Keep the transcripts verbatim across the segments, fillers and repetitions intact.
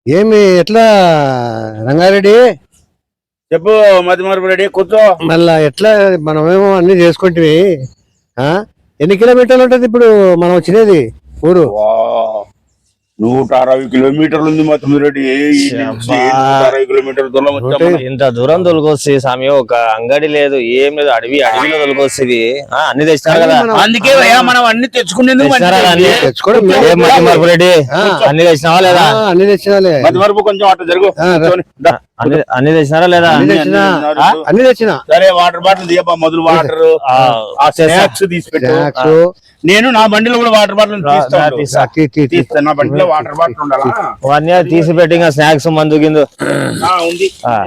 ఏమి ఎట్లా రంగారెడ్డి? చెప్పు మధ్యమార్పు రెడ్డి, కూర్చో. మళ్ళా ఎట్లా మనమేమో అన్ని చేసుకుంటే ఎన్ని కిలోమీటర్లు ఉంటది ఇప్పుడు మనం వచ్చినది ఊరు? నూట అరవై కిలోమీటర్లు ఉంది మధ్యమారెడ్డి. అరవై కిలోమీటర్ల దూరం వచ్చాము. ఇంత దూరం తొలగొస్తుంది స్వామి. ఒక అంగడి లేదు, ఏం లేదు, అడవి అడవిలో తొలగొస్తుంది. అన్ని తెచ్చినారు కదా, అందుకే మనం అన్ని తెచ్చుకునేందుకు మధ్యమార్పు రెడ్డి. అన్ని తెచ్చినావా లేదా? అన్ని తెచ్చినాలే. మధ్యమార్పు కొంచెం అట్లా జరుగు. అన్ని తెచ్చినారా లేదా? అన్ని తెచ్చినా. సరే, వాటర్ బాటిల్ తీయపా, మొదలు వాటర్ స్నాక్స్ తీసి పెట్టు. నేను నా బండిలో కూడా వాటర్ బాటిల్ తీస్తాను. నా బండిలో వాటర్ బాటిల్ ఉండాలా? తీసి పెట్టి స్నాక్స్ మందు కింద ఉంది.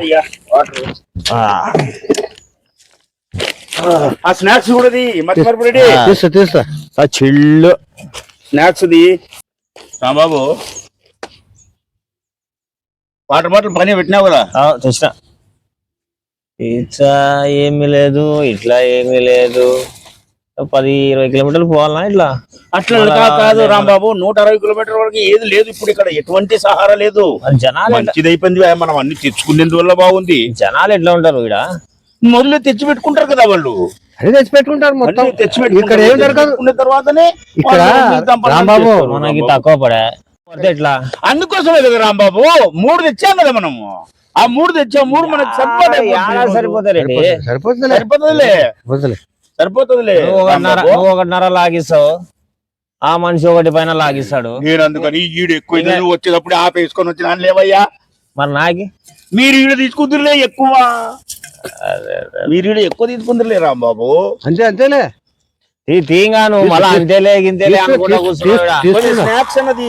ఆ స్నాక్స్ కూడా మధ్యమార్పు రెడ్డి తీస్తా తీస్తా చిల్లు స్నాక్స్ ది బాబు. వాటర్ బాటిల్ పని పెట్టినావు కదా? తెచ్చిన. ఇట్లా ఏమీ లేదు, ఇట్లా ఏమీ లేదు. పది ఇరవై కిలోమీటర్లు పోవాలనా ఇట్లా? అట్లా కాదు రాంబాబు, నూట అరవై కిలోమీటర్ వరకు ఏది లేదు ఇప్పుడు ఇక్కడ, ఎటువంటి సహారా లేదు. జనాలు మంచిది అయిపోయింది, మనం అన్ని తెచ్చుకునేందువల్ల బాగుంది. జనాలు ఎట్లా ఉంటారు ఇక్కడ? మొదలు తెచ్చి పెట్టుకుంటారు కదా వాళ్ళు, అదే తెచ్చి పెట్టుకుంటారు మొత్తం. తెచ్చి ఇక్కడ ఏం జరగదు తర్వాతనే ఇక్కడ రాంబాబు మనకి తక్కువ పడే ఎట్లా. అందుకోసమే కదా రాంబాబు మూడు తెచ్చాం కదా మనము. ఆ మూడు తెచ్చాం, మూడు మనకు సరిపోతాయి. సరిపోతుంది సరిపోతుందిలే సరిపోతుందిలే నువ్వు ఒకటిన్నర లాగిస్తావు, ఆ మనిషి ఒకటి పైన లాగిస్తాడు. నేను అందుకని ఈడు ఎక్కువ వచ్చేటప్పుడు ఆపేసుకొని వచ్చినా లేవయ్యా. మరి నాకి మీరు ఈడ తీసుకుందరులే ఎక్కువ, మీరు ఈడ ఎక్కువ తీసుకుందరులే రాంబాబు. అంతే అంతేలే తీంగా నువ్వు మళ్ళా అంతేలే గింతేలే అనుకుంటా స్నాక్స్ అన్నది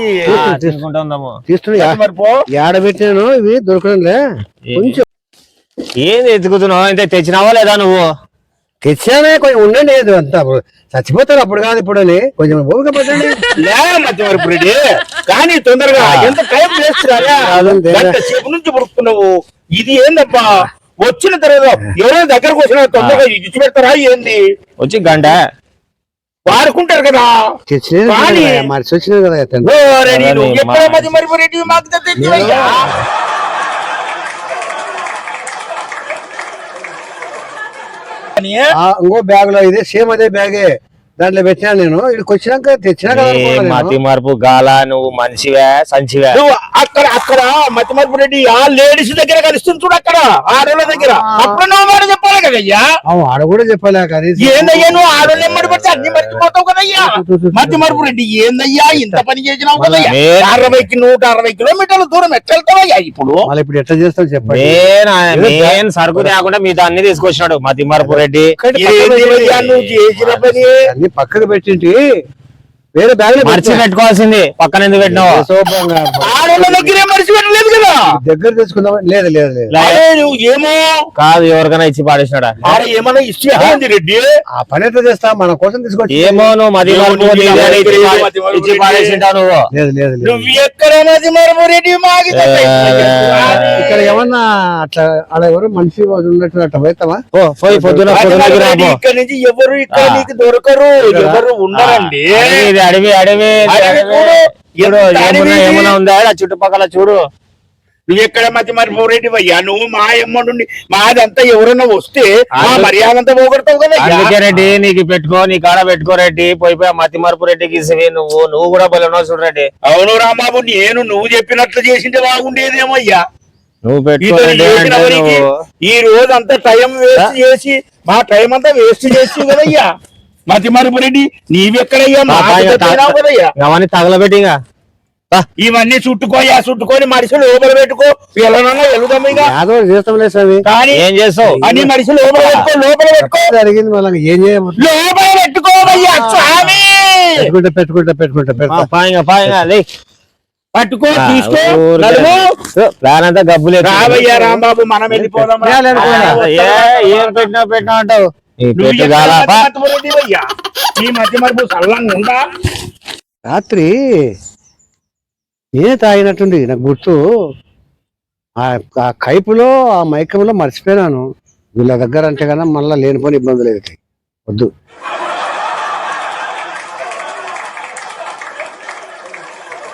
ఏడబెట్టాను, ఇవి దొరకడంలే. కొంచెం ఏంది ఎత్తుకుతున్నావు? అంటే తెచ్చినావా లేదా నువ్వు? తెచ్చానే, కొంచెం ఉండండి. అంతా చచ్చిపోతారు అప్పుడు కాదు ఇప్పుడు అని కొంచెం ఓపిక పట్టండి. మధ్యమార్పు రెడ్డి కానీ తొందరగా ఎంత టైం వేస్ట్ సేపు నుంచి పడుకున్నావు. ఇది ఏందబ్బా, వచ్చిన తర్వాత ఎవరైనా దగ్గరకు వచ్చిన తొందరగా ఇచ్చి పెడతారా ఏంది? వచ్చి గంట వాడుకుంటారు కదా. మరిచి వచ్చినాయి కదా. ఎప్పుడో మధ్యమార్పు రెడ్డి మాకు ఇంకో బ్యాగ్ లో ఇదే సేమ్ అదే బ్యాగే దాంట్లో పెట్టినా నేను. ఇక్కడికి వచ్చినాక తెచ్చినా కదా. మతి మార్పు గాల, నువ్వు మనిషివే సంచివే. అక్కడ అక్కడ మతిమార్పు రెడ్డి ఆ లేడీస్ దగ్గర కలుస్తుంది చూడు, అక్కడ ఆడోళ్ళ దగ్గర. అప్పుడు నువ్వు మాట చెప్పాలి కదయ్యా. ఆడ కూడా చెప్పలే కదా. ఏందయ్యా నువ్వు ఆడోళ్ళు ఎమ్మడి పడితే అన్ని మర్చిపోతావు కదయ్యా. మతిమార్పు రెడ్డి ఏందయ్యా ఇంత పని చేసినావు కదయ్యా. అరవైకి నూట అరవై కిలోమీటర్ల దూరం ఎట్లా వెళ్తావయ్యా ఇప్పుడు? ఇప్పుడు ఎట్లా చేస్తావు చెప్పండి. నేను సరుకు తేకుండా మీతో అన్ని తీసుకొచ్చినాడు మతిమార్పు రెడ్డి. నువ్వు చేసిన పని పక్కకు పెట్టింటి వేరే బ్యాగ్ మర్చి పెట్టుకోవాల్సింది, పక్కన ఎందుకు పెట్టినావు? దగ్గర తెచ్చుకుందాం. లేదు లేదు లేదు ఏమో కాదు, ఎవరికైనా ఇచ్చి పాడేసినాడా? ఏమన్నా ఇచ్చి రెడ్డి ఆ పని ఎట్లా చేస్తా, మన కోసం తీసుకొచ్చి. ఏమో నువ్వు మది మార్పు ఇచ్చి పాడేసింటావు నువ్వు. లేదు లేదు నువ్వు ఎక్కడ మది మార్పు రెడ్డి ఇక్కడ ఏమన్నా అట్లా అలా ఎవరు మనిషి ఉన్నట్టు అట్లా పోతావా? పోయి పొద్దున ఇక్కడ నుంచి ఎవరు ఇక్కడ నీకు దొరకరు, ఎవరు ఉండరండి. అడవి అడవి ఏమన్నా ఉందా చుట్టుపక్కల చూడు. నువ్వు ఎక్కడ మధ్య మరి రెడ్డి అయ్యా, నువ్వు మా ఎమ్మండి మాదంతా ఎవరన్నా వస్తే మర్యాద అంతా పోగొడతావు కదా. అందుకే రెడ్డి నీకు పెట్టుకో, నీ కాడ పెట్టుకో రెడ్డి. పోయిపోయి మతి మార్పు రెడ్డికి ఇసివి నువ్వు నువ్వు కూడా బలన్నావు చూడు రెడ్డి. అవును రాంబాబు, నేను నువ్వు చెప్పినట్లు చేసింటే బాగుండేదేమో అయ్యా. నువ్వు పెట్టుకో. ఈ రోజు అంతా టైం వేస్ట్ చేసి మా టైం అంతా వేస్ట్ చేసి కదయ్యా మతి మార్పు రెడ్డి. నీవెక్కడయ్యా అవన్నీ తగలబెట్టి ఇవన్నీ చుట్టుకోయా, చుట్టుకొని మనిషి లోపల పెట్టుకో. వెళ్ళనన్నా వెళ్దాం కానీ ఏం చేస్తావు? అన్ని మనిషి లోపల పెట్టుకో, లోపల పెట్టుకో. జరిగింది వాళ్ళకి ఏం చేయము. లోపల పెట్టుకోవయ్యా స్వామి. పెట్టుకుంటా పెట్టుకుంటా పెట్టుకుంటా పట్టుకో, తీసుకో. ప్లాన్ అంతా గబ్బులే. రావయ్యా రాంబాబు, మనం వెళ్ళిపోదాం. ఏం పెట్టినా పెట్టినా అంటావు. రాత్రి నేనే తాగినట్టుంది నాకు గుర్తు. ఆ కైపులో ఆ మైకంలో మర్చిపోయినాను. వీళ్ళ దగ్గర అంటే కన్నా మళ్ళీ లేనిపోని ఇబ్బందులు అవుతాయి. వద్దు.